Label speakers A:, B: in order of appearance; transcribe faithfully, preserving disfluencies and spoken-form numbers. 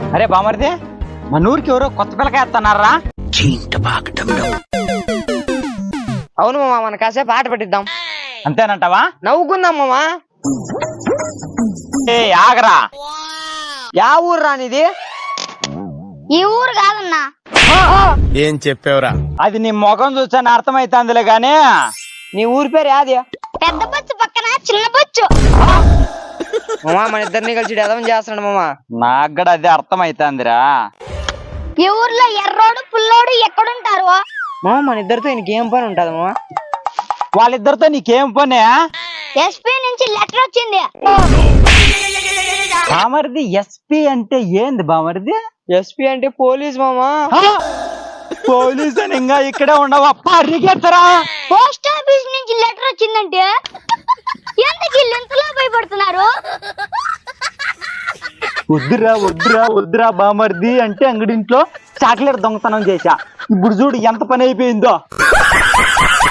A: అరే బామర్ది, మన ఊరికి ఎవరో కొత్త పిల్లకాయ వస్తున్నారా?
B: అవును మామ, మన కాసేపు ఆట పెట్టిద్దాం.
A: అంతేనంటావా?
B: నవ్వుకుందాం మామా.
A: ఏ ఆగరా,
B: యా ఊరు రానిది?
C: ఈ ఊరు కాదన్నా.
D: ఏం చెప్పావురా?
A: అది నీ ముఖం చూసాను అర్థమైతుందిలే గాని
B: నీ ఊరి పేరు యాది?
C: పెద్ద బొచ్చు పక్కన చిన్న బొచ్చు.
B: మామా మన ఇద్దరిని కలిసి ఎదవం చేస్తున్నాడు మామా.
A: నాకు కూడా అదే అర్థమైతుందిరా.
C: ఈ ఊర్లో ఎర్రోడు పుల్లోడు ఎక్కడుంటారు?
B: మామ మన ఇద్దరితో ఇంకేం పని ఉంటది మామా?
A: వాళ్ళిద్దరితో నీకేం పనే?
C: ఎస్పీ నుంచి లెటర్ వచ్చింది.
A: బామర్ది ఎస్పీ అంటే ఏంది బామర్ది?
B: ఎస్పీ అంటే పోలీస్ మామా.
A: పోలీసు అని ఇంకా ఇక్కడే ఉండవా? పరిగెత్తరా.
C: పోస్ట్ ఆఫీస్ నుంచి లెటర్ వచ్చిందంటే ఎందుకు ఇంతలో భయపడుతున్నారు?
A: వద్దురా వద్దురా వద్దురా బామర్ది అంటే అంగడింట్లో చాక్లెట్ దొంగతనం చేశా. ఇప్పుడు చూడు ఎంత పని అయిపోయిందో.